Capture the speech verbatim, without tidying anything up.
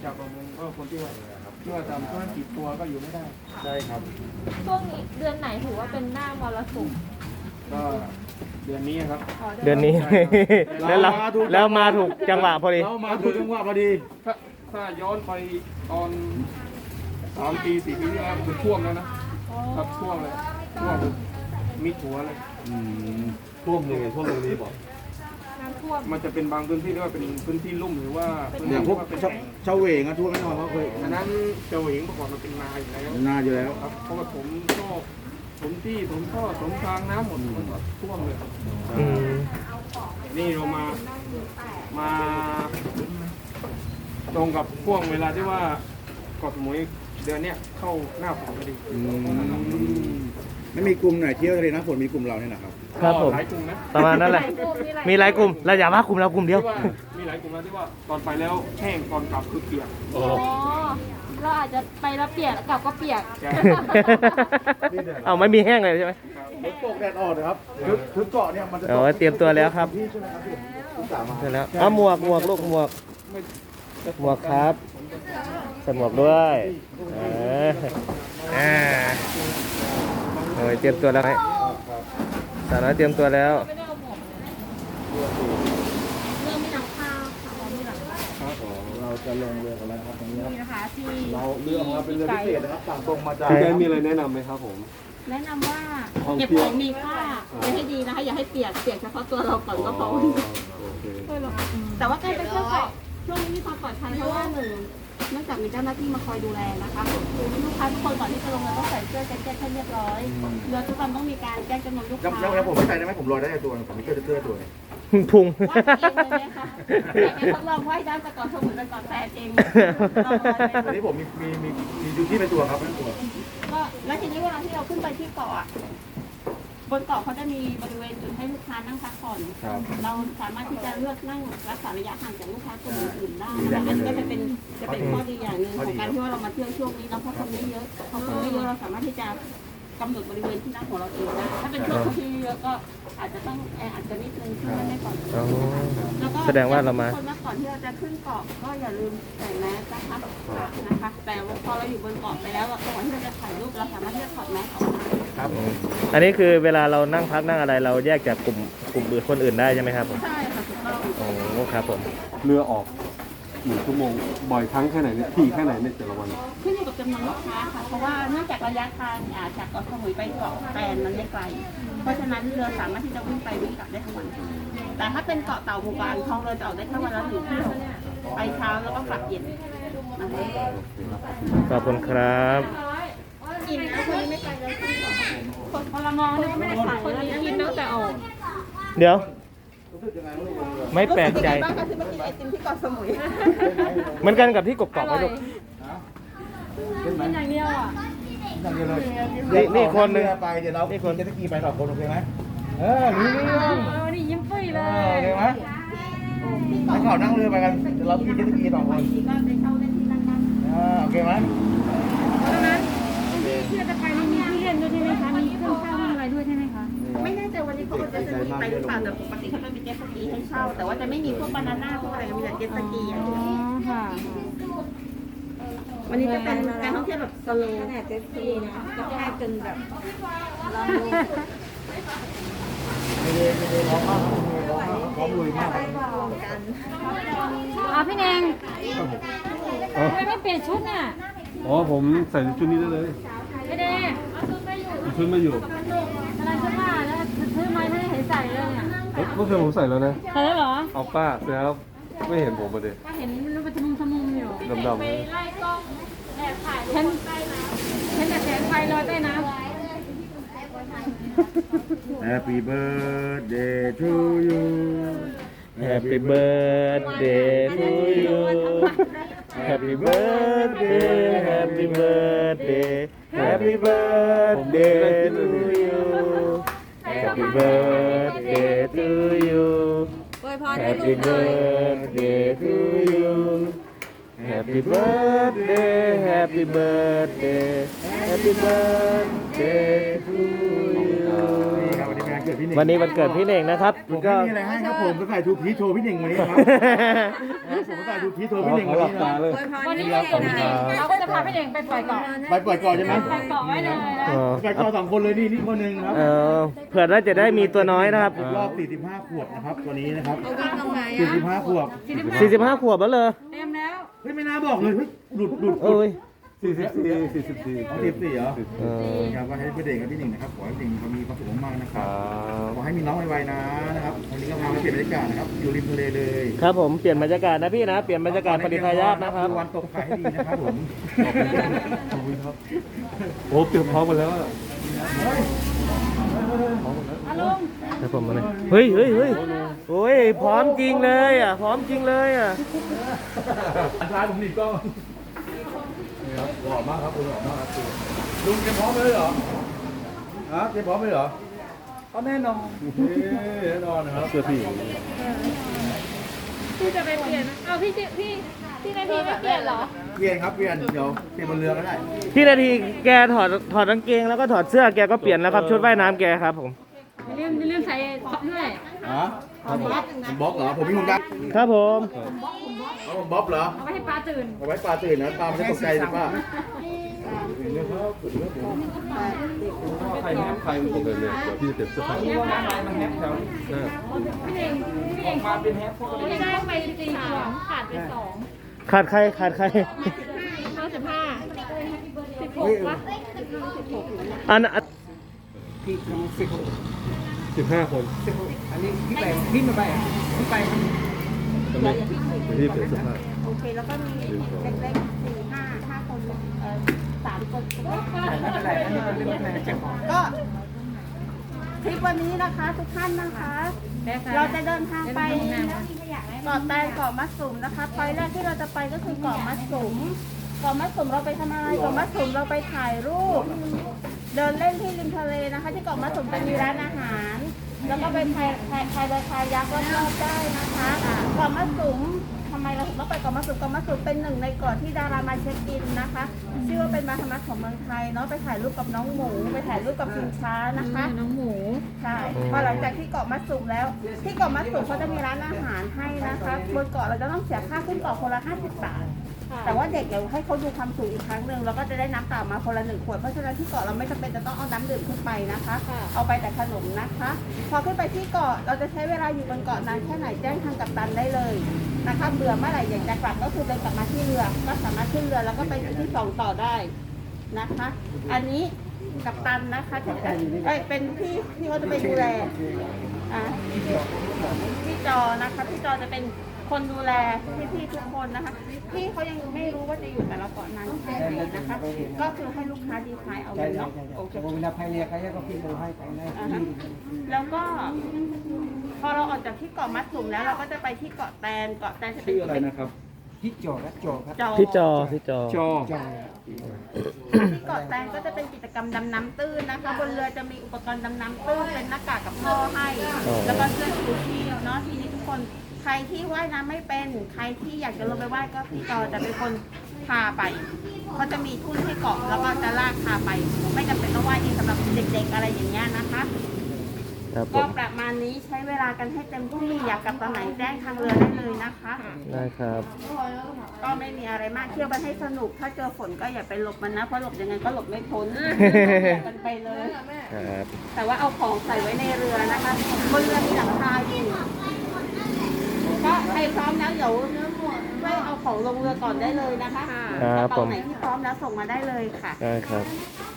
ชาวประมงก็คนที่ว่าที่ว่าทำธุรกิจตัวก็อยู่ไม่ได้ใช่ครับช่วงนี้เดือนไหนถือว่าเป็นหน้ามรสุมก็เดือนนี้ครับเดือนนี้แล้วเราแล้วมาถูกจังหวะพอดีเรามาถูกจังหวะพอดีถ้าถ้าย้อนไปตอนสามปีสี่ปีที่แล้วคือท่วมแล้วนะครับท่วมเลยท่วมมิดหัวเลยท่วมยังไงท่วมตรงนี้บอกมันจะเป็นบางพื้นที่ที่ว่าเป็นพื้นที่ลุ่มหรือว่าอย่างพวกเชาเหวงอะท่วมแน่นอนเพราะเคยอันนั้นเจ้าเหวงเมื่อก่อนมันเป็นนาอยู่แล้วนาอยู่แล้วครับเพราะว่าผมก็ผมที่ผมก็สมทางน้ำหมดมันท่วมเลยนี่เรามามาตรงกับพ่วงเวลาที่ว่าเกาะสมุยเดือนเนี้ยเข้าหน้าฝนพอดีไม่มีกลุ่มไหนเที่ยวทะเลน้ำฝนมีกลุ่มเราเนี่ยนะครับครับผมประมาณนั้นแหละมีหลายกลุ่มเราอย่าว่ากลุ่มเรากลุ่มเดียวมีหลายกลุ่มนะที่ว่าตอนไปแล้วแห้งตอนกลับคือเปียกอ๋อเราอาจจะไปแล้วเปียกกลับก็เปียกเอาไม่มีแห้งเลยใช่ไหมฝนตกแดดออกนะครับคือเกาะเนี่ยมันจะเอาเตรียมตัวแล้วครับเสร็จแล้วเอาหมวกหมวกลูกหมวกหมวกครับใส่หมวกด้วยเอออ่าโอ้ยเตรียมตัวแล้วให้สาวน้อยเตรียมตัวแล้วเรื่องไม่นำข้าวค่ะไม่หลังเราจะลงเรือกันแล้วครับตรงนี้นี่นะคะที่เราเรือของเราเป็นเรือพิเศษนะครับสั่งตรงมาจากพี่แกมีอะไรแนะนำไหมครับผมแนะนำว่าเก็บของมีค่าอย่าให้ดีนะคะอย่าให้เปียกเปียกเฉพาะตัวเราก่อนก็พอแต่ว่าการไปเที่ยวเกาะช่วงนี้มีความปลอดภัยเพราะว่าหนึ่งเนื่องจากมีเจ้าหน้าที่มาคอยดูแลนะคะลูกค้าทุกคนก่อนที่จะลงเรือต้องใส่เสื้อแจ็คเก็ตให้เรียบร้อยเรือทุกลำต้องมีการแจ้งจำนวนลูกค้าแล้วผมไม่ใส่ได้ไหมผมลอยได้ตัวผมมีเสื้อเสื้อตัวนี้พุงว่าเองเลยนะคะอยากให้ทดลองว่ายน้ำแต่ก่อนสมุนแต่ก่อนแฟนเองวันนี้ผมมีมีมีมีดูที่เป็นตัวครับเป็นตัวก็แล้วทีนี้เวลาที่เราขึ้นไปที่เกาะบนเกาะเขาจะมีบริเวณจุดให้ลูกค้านั่งพักผ่อนเราสามารถที่จะเลือกนั่งรักษาระยะห่างจากลูกค้ากลุ่มอื่นได้อันนี้ก็จะเป็นจะเป็นข้อดีอย่างหนึ่งของการที่ว่าเรามาเที่ยวช่วงนี้เราเพราะคนไม่เยอะพอคนไม่เยอะเราสามารถที่จะกำหนดบริเวณที่นั่งของเราเองได้ถ้าเป็นช่วงที่เยอะก็อาจจะต้องแออัดกันนิดนึงที่นั่นได้ก่อนแล้วก็แสดงว่าเรามาคนมาก่อนที่เราจะขึ้นเกาะก็อย่าลืมใส่แมสนะคะนะคะแต่พอเราอยู่บนเกาะไปแล้วก่อนที่เราจะถ่ายรูปเราสามารถที่จะถอดแมสออกครับอันนี้คือเวลาเรานั่งพักนั่งอะไรเราแยกจากกลุ่มกลุ่มอื่นคนอื่นได้ใช่ไหมครับผมใช่ค่ะถูกต้องโอ้ครับผมเรือออกหนึ่งชั่วโมงบ่อยครั้งแค่ไหนเนี่ยถี่แค่ไหนในแต่ละวันขึ้นอยู่กับจำนวนลูกค้าค่ะเพราะว่าเนื่องจากระยะทางจากเกาะสมุยไปเกาะแตนมันไม่ไกลเพราะฉะนั้นเรือสามารถที่จะวิ่งไปวิ่งกลับได้ทั้งวันแต่ถ้าเป็นเกาะเต่าหมู่บ้านท้องเรือจะออกได้แค่วันละหนึ่งเที่ยวไปเช้าแล้วก็กลับเย็นขอบคุณครับกินนะคนนี้ไม่ไปเลยคนพลมองนี่ไม่ได้ขายคนนี้กินตั้งแต่ออกเดี๋ยวไม่แปลกใจบ้างก็คือมากินไอติมที่เกาะสมุยเหมือนกันกับที่กบๆไหมลูกกินอย่างเดียวอ่ะนี่นี่คนนึงไปเดี๋ยวเรานี่คนจะตะกี้ไปสองคนโอเคไหมเออนี่นี่ยิ้มปุ้ยเลยโอเคไหมให้เขานั่งเรือไปกันเดี๋ยวเรากินเจ็ตสกีสองคนอ่าโอเคไหมเพราะนั้นที่เราจะไปนี่มีที่เล่นด้วยใช่ไหมคะมีเครื่องเช่าอะไรด้วยใช่ไหมคะไม่แน่ใจวันนี้เขาจะมีไปหรือเปล่าแต่ปกติเขาจะมีเจ็ตสกีให้เช่าแต่ว่าจะไม่มีพวกบานาน่าพวกอะไรมีแต่เจ็ตสกีอย่างเดียวค่ะวันนี้จะเป็นการท่องเที่ยวแบบสโลว์ขนาดเจ็ตสกีนะก็แค่จนแบบลองดูไม่ได้ไม่ได้ร้องมากร้องลุยมากกันอ๋อพี่แนงทำไมไม่เปลี่ยนชุดน่ะอ๋อผมใส่ชุดนี้ได้เลยพี่แนงชุดไม่อยู่อะไรชุดมาแล้วซื้อมาให้เห็นใส่เลยอ่ะเมื่อคืนผมใส่แล้วนะใส่แล้วเหรอเอาป้าเสร็จแล้วไม่เห็นผมมาเลยก็เห็นมันไปทมุมทมุมอยู่ดำๆไปไล่กล้องแอบถ่ายเห็นเห็นแต่แสงไฟลอยใต้น้ำ Happy birthday to you Happy birthday to you Happy birthday Happy birthday Happy birthday to you Happy birthday to you Happy birthday to you Happy birthday Happy birthday Happy birthday to you เกิดพี่เน่งวันนี้วันเกิดพี่เน่งนะครับผมก็ไม่มีอะไรให้ครับผมก็ใส่ทูพีชโชว์พี่เน่งวันนี้ครับผมก็ใส่ทูพีชโชว์พี่เน่งวันนี้นะวันนี้เราก็จะพาพี่เน่งไปปล่อยเกาะไปปล่อยก่อนใช่ไหมไปเกาะไว้เลยนะเออไปก่อนสองคนเลยนี่นี่คนหนึ่งครับเออเผื่อว่าจะได้มีตัวน้อยนะครับรอบสี่สิบห้าขวบนะครับตัวนี้นะครับสี่สิบห้าขวบสี่สิบห้าขวบแล้วเลยเต็มแล้วเฮ้ยไม่น่าบอกเลยเฮ้ยหลุดหลุดเอ้ยสี่สิบสี่สี่สิบสี่อ๋อสี่สิบสี่เหรอเออครับก็ให้พี่เด่งกับพี่หนึ่งนะครับขอให้พี่หนึ่งเขามีความสุขมากๆนะคครัรับบ ขอให้มีน้องไวๆนะนะครับวันนี้ก็พาไปเปลี่ยนบรรยากาศนะครับอยู่ริมทะเลเลยครับผมเปลี่ยนบรรยากาศนะพี่นะเปลี่ยนบรรยากาศปฏิทายาทนะครับดูวันตกไข่ให้ดีนะครับผมโอ้เตรียมพร้อมกันแล้วอะครับผมมาเลยเฮ้ยเฮ้ยเฮ้ยโอ้ยพร้อมจริงเลยอ่ะพร้อมจริงเลยอ่ะท้ายผมหนีบกล้องนี่ครับหล่อมากครับคุณหล่อมากครับลุงเตรียมพร้อมเลยเหรอฮะเตรียมพร้อมเลยเหรอก็แน่นอนแน่นอนนะครับเสื้อพี่พี่จะไปเปลี่ยนเอาพี่จิพี่พี่นาทีไม่เปลี่ยนเหรอเปลี่ยนครับเปลี่ยนเดี๋ยวเปลี่ยนบนเรือก็ได้พี่นาทีแกถอดถอดกางเกงแล้วก็ถอดเสื้อแกก็เปลี่ยนแล้วครับชุดว่ายน้ำแกครับผมอย่าลืมอย่าลืมใส่ท็อปด้วยฮะผมบ๊อบเหรอผมมีหุ่นยักษ์ครับผมเอาผมบ๊อบเหรอเอาไว้ให้ปลาตื่นเอาไว้ปลาตื่นนะปลาไม่ได้ตกใจสิป้าใครแฮปใครผมเลยเลยเดี๋ยวพี่จะเก็บเสื้อผ้ามันแฮปแถวนี้พี่เน่งพี่เน่งมาเป็นแฮปไม่ได้ไปสี่ของขาดไปสองขาดใครขาดใครห้าสิบห้าสิบหกวะอันอันสิบห้าคนอันนี้พี่ไปพี่มาไปพี่ไปทำไมพี่เปลี่ยนเสื้อผ้าโอเคแล้วก็มีเล็กๆสี่ห้าห้าคนเอ่อสามคนไม่เป็นไรไม่เป็นไรก็ทริปวันนี้นะคะทุกท่านนะคะ เราจะเดินทางไปเกาะแตนเกาะมัดสุมนะคะพอยแรกที่เราจะไปก็คือเกาะมัดสุมเกาะมัดสุมเราไปทำอะไรเกาะมัดสุมเราไปถ่ายรูป เดินเล่นที่ริมทะเลนะคะ ที่เกาะมัดสุมจะมีร้านอาหาร แล้วก็ไปพายพายพายเรือคายักรอบๆได้นะคะเกาะมัดสุมทำไมเราถึงต้องไปเกาะมัดสุมเกาะมัดสุมเป็นหนึ่งในเกาะที่ดารามาเช็คอินนะคะชื่อว่าเป็นมาธรรมะของเมืองไทยเนาะไปถ่ายรูปกับน้องหมูไปถ่ายรูปกับชิงช้านะคะน้องหมูใช่พอหลังจากที่เกาะมัดสุมแล้ว ที่เกาะมัดสุมเขาจะมีร้านอาหารให้นะคะบนเกาะเราจะต้องเสียค่าขึ้นเกาะคนละห้าสิบบาท แต่ว่าเด็กเดี๋ยวให้เขาดูความสูงอีกครั้งหนึ่งแล้วก็จะได้น้ำเปล่ามาคนละหนึ่งขวดเพราะฉะนั้นที่เกาะเราไม่จำเป็นจะต้องเอาน้ำดื่มขึ้นไปนะคะ เอาไปแต่ขนมนะคะ พอขึ้นไปที่เกาะเราจะใช้เวลาอยู่บนเกาะนานแค่ไหนแจ้งทางกัปตันได้เลยนะคะเบื่อเมื่อไหร่อยากจะกลับก็คือเดินกลับมาที่เรือก็สามารถขึ้นเรือแล้วก็ไปที่ที่สองต่อได้นะคะ อันนี้กัปตันนะคะที่เอ้ยเป็นพี่ที่เขาจะไปดูแลอ่ะพี่จอนะคะพี่จอจะเป็นคนดูแลพี่ๆทุกคนนะคะพี่เขายังไม่รู้ว่าจะอยู่แต่ละเกาะนานแค่ไหนนะคะ ก็คือให้ลูกค้าดีไซน์เอาเลยเนาะโอเคเวลาพายเรือเขาก็พี่ดูให้ไปนะอ่าฮะแล้วก็พอเราออกจากที่เกาะมัดสุมแล้วเราก็จะไปที่เกาะแตนเกาะแตนจะเป็นชื่ออะไรนะครับพี่จอดและจอครับจอพี่จอพี่จอจอจอที่เกาะแตนก็จะเป็นกิจกรรมดำน้ำตื้นนะคะ บนเรือจะมีอุปกรณ์ดำน้ำตื้นเป็นหน้ากากกับท่อให้ แล้วก็เสื้อชูชีพเนาะทีนี้ทุกคนใครที่ว่ายน้ำไม่เป็นใครที่อยากจะลงไปว่ายก็พี่จอจะเป็นคนพาไปเขาจะมีทุ่นให้เกาะแล้วก็จะลากพาไป ไม่จำเป็นต้องว่ายเองสำหรับเด็กๆอะไรอย่างเงี้ยนะคะครับผก็มประมาณนี้ใช้เวลากันให้เต็มที่อยากกลับตอนไหนแจ้งทางเรือได้เลยนะคะได้ครับก็ไม่มีอะไรมากเที่ยวกันให้สนุก ถ้าเจอฝนก็อย่าไปหลบมันนะ เพราะหลบยังไงก็หลบไม่พ้นกันไปเลยครับแต่ว่าเอาของใส่ไว้ในเรือนะคะบนเรือมีหลังคาอยู่ก็ใครพร้อมแล้วเดี๋ยวช่วยเอาของลงเรือก่อนได้เลยนะคะครับกระผเป๋าม ไหนที่พร้อมแล้วส่งมาได้เลยค่ะได้ครับค